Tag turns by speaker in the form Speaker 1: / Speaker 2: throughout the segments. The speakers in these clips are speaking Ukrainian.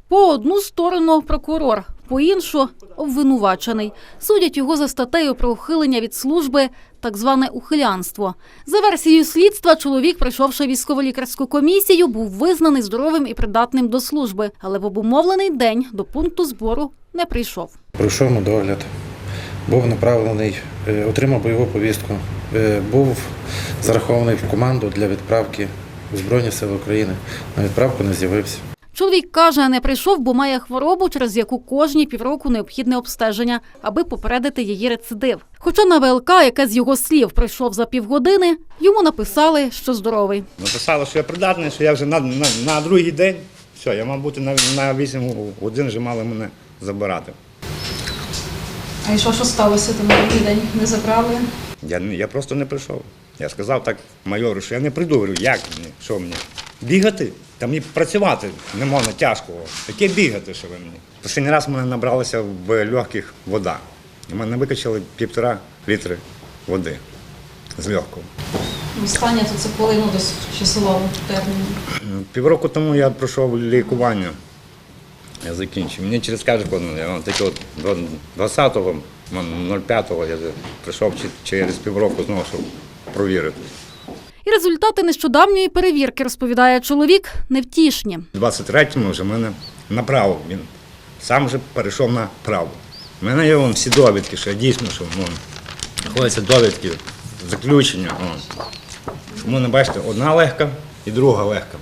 Speaker 1: По одну сторону прокурор, по іншу – обвинувачений. Судять його за статтею про ухилення від служби, так зване ухилянство. За версією слідства, чоловік, пройшовши військово-лікарську комісію, був визнаний здоровим і придатним до служби, але в обумовлений день до пункту збору не прийшов.
Speaker 2: Пройшов медогляд, був направлений, отримав бойову повістку, був зарахований в команду для відправки у Збройні Сили України. На відправку не з'явився.
Speaker 1: Чоловік каже, не прийшов, бо має хворобу, через яку кожні півроку необхідне обстеження, аби попередити її рецидив. Хоча на ВЛК, яке з його слів пройшов за півгодини, йому написали, що здоровий.
Speaker 3: Написали, що я придатний, що я вже на другий день, все, я мав бути на 8 годин, вже мали мене забирати.
Speaker 4: А і що сталося там на другий день? Не забрали?
Speaker 3: Я просто не прийшов. Я сказав так майору, що я не прийду. Говорю, як мені, що мені? Бігати? Та мені працювати не можна, тяжко. Яке бігати, що ви мені? Останній раз в мене набралася в легких вода. У мене викачали 1,5 літри води з легкого.
Speaker 4: Останнє то це коли, десь в часовому терміні?
Speaker 3: Півроку тому я пройшов лікування. Я закінчив. Мені через кожен, я таке от 20-го, 05-го я прийшов через півроку знову, щоб провірити.
Speaker 1: І результати нещодавньої перевірки, розповідає чоловік, невтішні.
Speaker 3: У 23-му вже мене направив, він сам вже перейшов на право. У мене є всі довідки, що я дійсно, що ходяться довідки, заключення. Тому не бачите, одна легка і друга легка.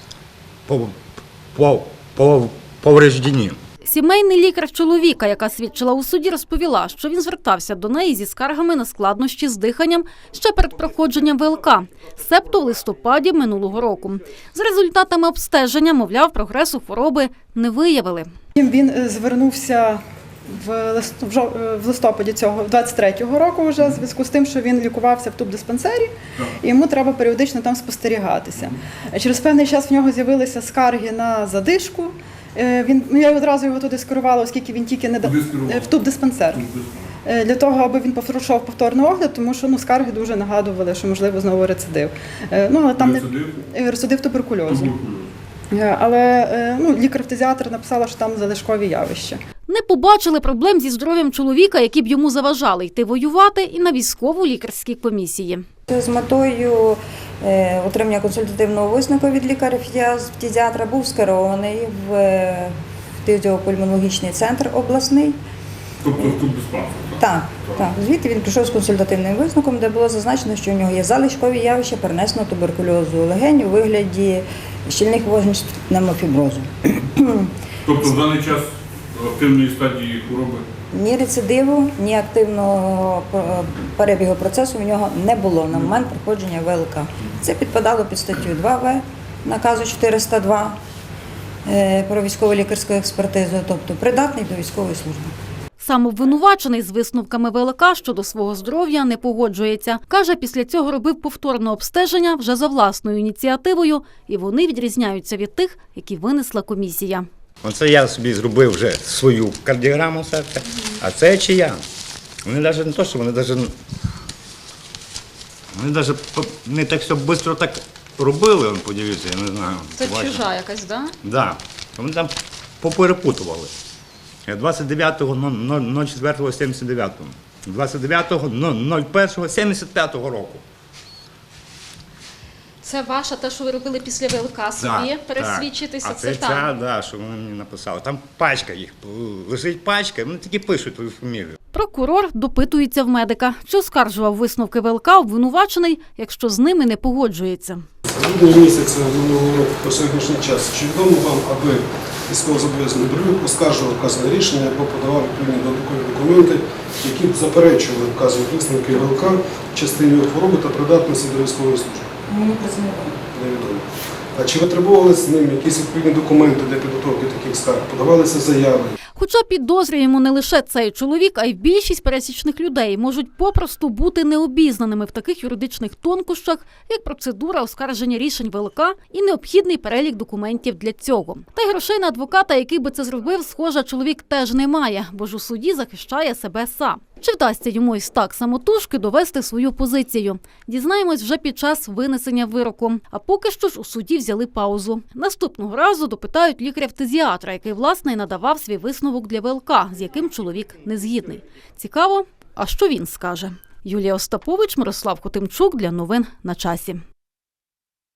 Speaker 3: Повреждені.
Speaker 1: Сімейний лікар чоловіка, яка свідчила у суді, розповіла, що він звертався до неї зі скаргами на складнощі з диханням ще перед проходженням ВЛК, себто в листопаді минулого року. За результатами обстеження, мовляв, прогресу хвороби не виявили.
Speaker 5: Він звернувся в листопаді цього 23-го року вже, в зв'язку з тим, що він лікувався в тубдиспансері, і йому треба періодично там спостерігатися. Через певний час в нього з'явилися скарги на задишку. Я одразу його туди скерувала, оскільки він тільки в тубдиспансер. Для того, аби він пройшов повторний огляд, тому що скарги дуже нагадували, що можливо знову рецидив. Але там рецидив туберкульозу. Але лікар-фтизіатр написала, що там залишкові явища.
Speaker 1: Не побачили проблем зі здоров'ям чоловіка, які б йому заважали йти воювати, і на військово-лікарській комісії.
Speaker 6: З метою отримання консультативного висновку від лікаря-фтизіатра був скерований в фтизіопульмонологічний центр обласний.
Speaker 7: Тобто тут диспансер?
Speaker 6: Так. Звідти він прийшов з консультативним висновком, де було зазначено, що у нього є залишкові явища перенесеного туберкульозу легень у вигляді щільних вогнищ пневмофіброзу.
Speaker 7: Тобто в даний час активної стадії хвороби?
Speaker 6: Ні рецидиву, ні активного перебігу процесу у нього не було на момент проходження ВЛК. Це підпадало під статтю 2В наказу 402 про військово-лікарську експертизу, тобто придатний до військової служби.
Speaker 1: Сам обвинувачений з висновками ВЛК щодо свого здоров'я не погоджується. Каже, після цього робив повторне обстеження вже за власною ініціативою, і вони відрізняються від тих, які винесла комісія.
Speaker 3: Оце я собі зробив вже свою кардіограму серця, а це чия. Вони навіть не то, що вони навіть не так все швидко так робили, подивіться, я не знаю.
Speaker 4: Це чужа якась, так?
Speaker 3: Так. Вони там поперепутували. 29.04.79, 29.01.75 року.
Speaker 4: Це ваша, те, що ви робили після ВЛК собі, пересвідчитися,
Speaker 3: так.
Speaker 4: це там?
Speaker 3: Так, що вони мені написали. Там пачка їх, лежить пачка, вони тільки пишуть твою фамілію.
Speaker 1: Прокурор допитується в медика, чи оскаржував висновки ВЛК обвинувачений, якщо з ними не погоджується.
Speaker 8: З грудня місяця минулого року по сьогоднішній час, чи відомо вам, аби військовозобов'язаний Брилюк оскаржував вказане рішення або подавав відповідні додаткові документи, які б заперечували вказані висновки ВЛК в частині його хвороби та придатності до військової служби?
Speaker 6: Мені про це
Speaker 8: невідомо. А чи витребували з ним якісь відповідні документи для підготовки таких скарг? Подавалися заяви?
Speaker 1: Хоча підозрюємо не лише цей чоловік, а й більшість пересічних людей можуть попросту бути необізнаними в таких юридичних тонкощах, як процедура оскарження рішень ВЛК і необхідний перелік документів для цього. Та й грошей на адвоката, який би це зробив, схоже, чоловік теж не має, бо ж у суді захищає себе сам. Чи вдасться йому із так самотужки довести свою позицію? Дізнаємось вже під час винесення вироку. А поки що ж у суді взяли паузу. Наступного разу допитають лікаря-фтизіатра, який, власне, і надавав свій висновок для ВЛК, з яким чоловік не згідний. Цікаво, а що він скаже? Юлія Остапович, Мирослав Хотимчук для новин на часі.